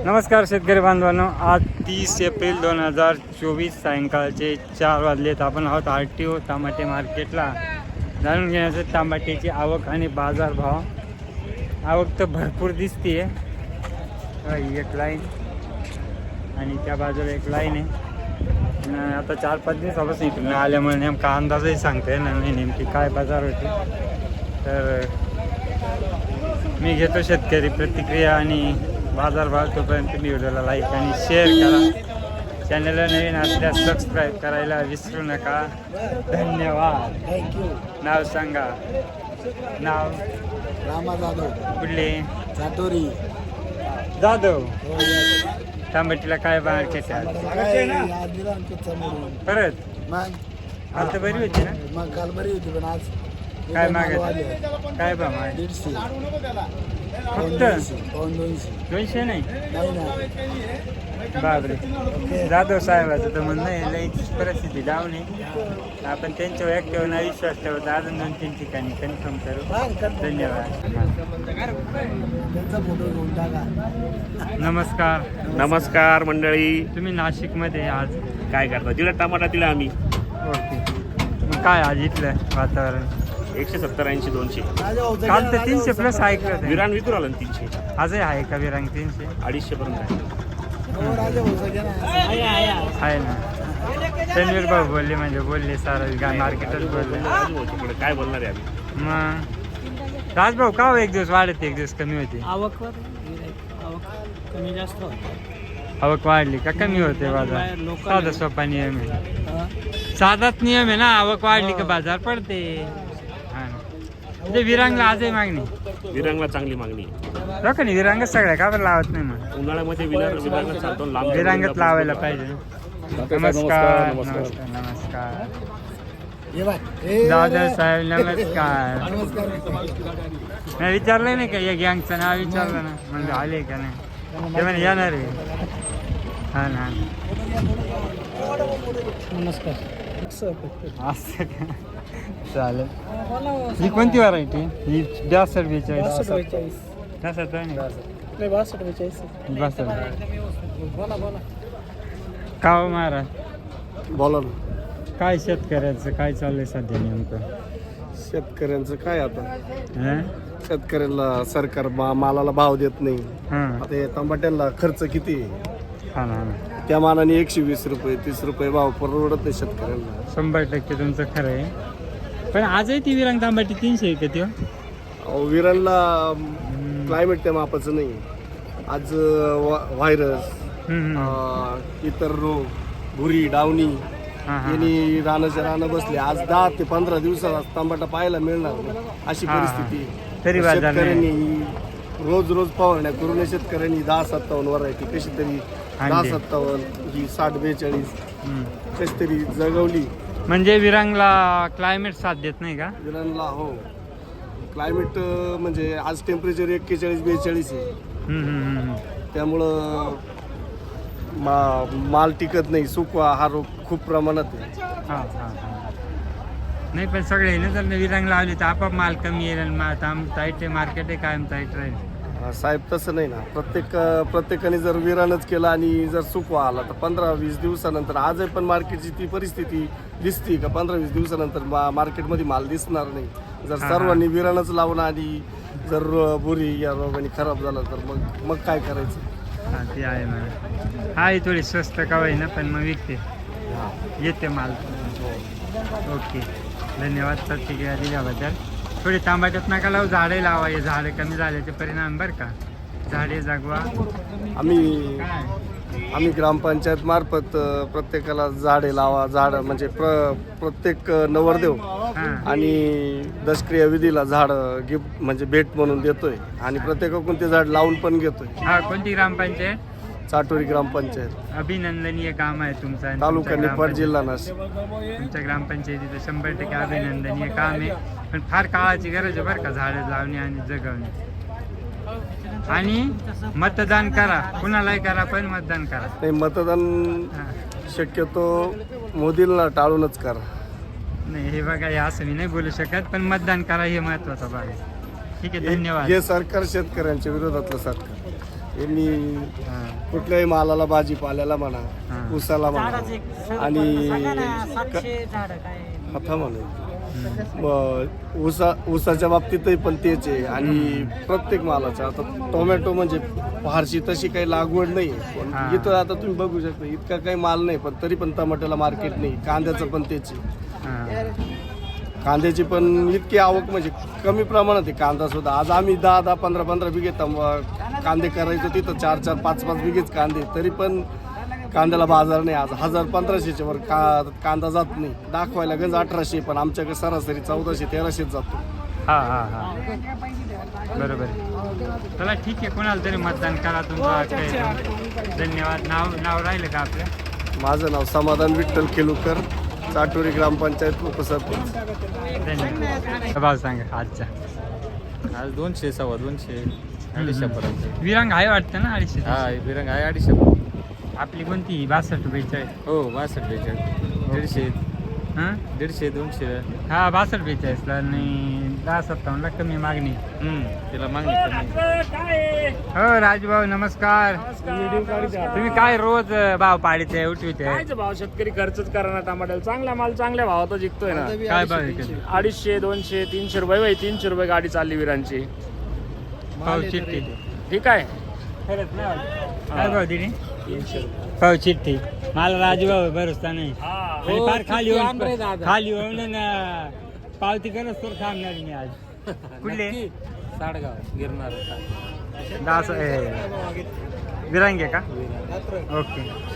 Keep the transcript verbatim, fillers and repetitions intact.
नमस्कार शेतकरी बांधवांनो, आज तीस एप्रिल दोन हजार चोवीस सायंकाळचे चार वाजलेत. आपण आहोत आर टी ओ टमाटे मार्केटला. जाणून घेण्याचं टमाट्याची आवक आणि बाजारभाव. आवक तर भरपूर दिसते आहे. एक लाईन आणि त्या बाजूला एक लाईन आहे. आता चार पाच दिवसापासून इकडून आल्यामुळे नेमका अंदाजही सांगता येणार नाही नेमकी काय बाजार होते. तर मी घेतो शेतकरी प्रतिक्रिया आणि बाजारभाव. तोपर्यंत तुम्ही व्हिडिओला लाईक आणि शेअर करा. चॅनलला नवीन असल्यास सबस्क्राईब करायला विसरू नका. धन्यवाद. थँक्यू. नाव सांगा. नाव रामा जाधव, कुठले? चाटोरी. जाधव. तांबटीला काय मार्केट आहे परत? मग आता बरी होती ना? मग काल बरी होती पण आज काय मागत? काय बा माग? दीडशे फक्त पाऊन दोनशे. दोनशे नाही नाही ना. बापरे. जाधव साहेबाचं तर म्हणणं आहे लईच परिस्थिती डाऊन आहे. आपण त्यांच्यावर ॲक्टिव्ह नाही विश्वास ठेवतो. अजून दोन तीन ठिकाणी कन्फर्म करू. धन्यवाद. त्यांचा फोटो घेऊन टाका. नमस्कार. नमस्कार मंडळी. तुम्ही नाशिकमध्ये आज काय करता? दिला टमाटा दिला आम्ही. ओके. मग काय आज इथलं वातावरण? एकशे सत्तर ऐंशी दोनशे. काल तर तीनशे प्लस ऐकलं होतं. विरान विकून आलं ना तीनशे. आजही आहे का विरांग तीनशे? अडीचशे पर्यंत आहे. आहे ना. तन्वीर भाऊ बोलले म्हणजे बोलले सारं मार्केटच बोलले. राजू भाऊ तिकडे काय बोलणार आहे आम्ही? मग राजभाऊ का हो एक दिवस वाढत एक दिवस कमी होते? आवकवर आवक कमी जास्त होते. आवक वाढली का कमी होते बाजार? साधा सोपा नियम आहे. साधाच नियम आहे ना. आवक वाढली का बाजार पडते. हा ना. म्हणजे विरांगला आजही मागणी. विरांगला चांगली मागणी आहे. लोकांनी विरांगच सगळ्या का बरं लावत नाही मग? उन्हाळ्यामध्ये विरांग विरांगला चालतो लांब. विरांगच लावायला पाहिजे. नमस्कार. नमस्कार. नमस्कार. ये बाय. ए, दादा साहेब नमस्कार. नमस्कार. नाही विचारलं नाही का या गँगचं नाव विचारलं ना म्हणजे आले का नाही ते म्हणे येणार आहे. हा ना. नमस्कार. असं का? चालेल. ही कोणती व्हरायटी? ही ब्यासष्ट बेचाळीस. बासष्ट बेचाळीस. तसंच आहे ना. नाही बासष्ट बेचाळीस. बासष्ट. बोला बोला. का हो महाराज? बोला ना. काय शेतकऱ्याचं काय चाललंय सध्या नेमकं? शेतकऱ्यांचं काय आता? हं? शेतकऱ्याला सरकार मा- मालाला भाव देत नाही. हां. आता हे टमाट्याला खर्च किती आहे? हा ना, हा ना. त्या मानाने एकशे वीस रुपये तीस रुपये भाव परवडत नाही शेतकऱ्यांना. शंभर टक्के तुमचं खरं आहे. पण आजही ती विरांग तांबाटी तीनशे आहे का ती? अहो, विरांना क्लायमेट त्या मापाचं नाही. आज वा- व्हायरस अं, इतर रोग भुरी डावणी हां हां. यांनी रानाच्या रानं बसले. आज दहा ते पंधरा दिवसात तांबाटा पाहायला मिळणार नाही अशी हा. परिस्थिती आहे. तरी बाजार नाही. शेतकऱ्यांनी रोज रोज फवारण्या करून शेतकऱ्यांनी दहा सत्तावन्न व्हरायटी कशी तरी दहा आणली. सत्तावन्न ही साठ बेचाळीस हं. कशी तरी जगवली. म्हणजे विरांगला क्लायमेट साथ देत नाही का? विरांना हो क्लायमेट म्हणजे आज टेम्परेचर एक्केचाळीस बेचाळीस आहे. हं, हं, हं, हं. त्यामुळं मा माल टिकत नाही. सुकवा हा रोग खूप प्रमाणात आहे. हां हां हां. नाही पण सगळे ना जर विरांग लावली तर आपाप माल कमी येईल आणि मा- ताम टाईट आहे मार्केट आहे कायम टाईट राहील. अं, साहेब तसं नाही ना. प्रत्येक प्रत्येकाने जर विरानच केला आणि जर सुकवा आला तर पंधरा वीस दिवसानंतर आजही पण मार्केटची ती परिस्थिती दिसती का पंधरा वीस दिवसानंतर मा मार्केटमध्ये माल दिसणार नाही. जर हां, सर्वांनी विरानच लावणं आणि जर बुरी या रोगाने खराब झाला तर मग मग काय करायचं? हां ती आहे म्हणा. हा ही थोडी स्वस्त का ना पण मग विकते येते माल. ओके धन्यवाद प्रतिक्रिया दिल्याबद्दल. थोडी तांबाट्यात नका लावू. झाडे लावा. हे झाडे कमी झाल्याचे परिणाम बरं का. झाडे जगवा. आम्ही काय आम्ही ग्रामपंचायत मार्फत अ, प्रत्येकाला झाडे लावा. झाड म्हणजे प्र प्रत्येक अ, नवरदेव हां आणि दशक्रिया विधीला झाड गिफ्ट म्हणजे भेट म्हणून देतोय आणि प्रत्येकाकडून ते झाड लावून पण घेतोय. हा कोणती ग्रामपंचायत? चाटोरी ग्रामपंचायत अभिनंदनीय काम आहे तुमचं आणि तालुका तुमच्या निफाड जिल्हा नाशिक. ग्रामपंचायत- तुमच्या ग्रामपंचायतीचं शंभर टक्के अभिनंदनीय काम आहे. पण फार काळाची गरज आहे बरं का झाडं लावणे आणि जगवणे. आणि मतदान करा. कुणालाही करा पण मतदान करा. नाही मतदान हां. शक्यतो मोदींना टाळूनच करा. नाही हे बघा हे असं मी नाही बोलू शकत पण मतदान करा हे महत्वाचा भाग आहे. ठीक आहे हे धन्यवाद. हे सरकार शेतकऱ्यांच्या विरोधातलं सरकार. यांनी हां कुठल्याही मालाला भाजीपाल्याला हा. म्हणा उसाला झाडाचं म्हणा एक स- आणि सांगा ना, सातशे झाडं काय हाता म्हणा ब- ऊसा ऊसाच्या बाबतीतही पण तेच आहे आणि प्रत्येक मालाच्या आता टोमॅटो म्हणजे फारशी तशी काही लागवड नाही पण हा. इथं आता तुम्ही बघू शकता इतका काही माल नाही पण तरी पण टमाट्याला मार्केट नाही कांद्याचं पण तेच आहे हां कांद्याची पण इतकी आवक म्हणजे कमी प्रमाणात आहे कांदा सुद्धा आज आम्ही दहा दहा पंधरा पंधरा बिघे तंब- कांदे करायचो तिथं चार चार पाच पाच बिघेच कांदे तरी पण कांद्याला बाजार नाही आज हजार पंधराशेच्या वर का कांदा जात नाही दाखवायला गंज अठराशे पण आमच्याकडे सरासरी चौदाशे तेराशेच जातो हां हां हां बरोबर आहे. चला ठीक आहे कोणाला तरी मतदान करा तुमचा हक्क आहे. धन्यवाद. नाव नाव राहिलं का आपलं? माझं नाव समाधान विठ्ठल केलुकर चाटोरी ग्रामपंचायत उपसरपंच. धन्यवाद. भाव सांगा आजचा. आज दोनशे सव्वा दोनशे अडीचशे पर्यंत. विरांग आहे वाटतं ना अडीचशे? हा विरंग आहे अडीचशे. आपली कोणती बासष्ट बेचाळीस? हो बासष्ट बेचाळीस दीडशे हां दीडशे दोनशे. हा बासष्ट बेचाळीसला आणि दहा सत्तावन्नला कमी मागणी. हम्म तिला मागणी कमी. हो राजभाऊ नमस्कार. तुम्ही काय रोज भाव पाडीचे उठविते? काय भाव शेतकरी खर्चच करा टमाट्याला चांगला माल चांगल्या भावात जिंकतोय ना. काय भाव आहे? अडीचशे दोनशे तीनशे रुपये बाई तीनशे रुपये गाडी चालली विरांची. पाव चिठ्ठी. ठीक आहे खरंच ना काय भाव दिली? पाव चिठ्ठी. मला राजूभाऊ भरोसा नाही आणि फार खाली होऊन खाली होऊन न पावती करत तर थांबणार मी आज. कुठले? साडगाव गिरणार होता. दास विरांगे का? ओके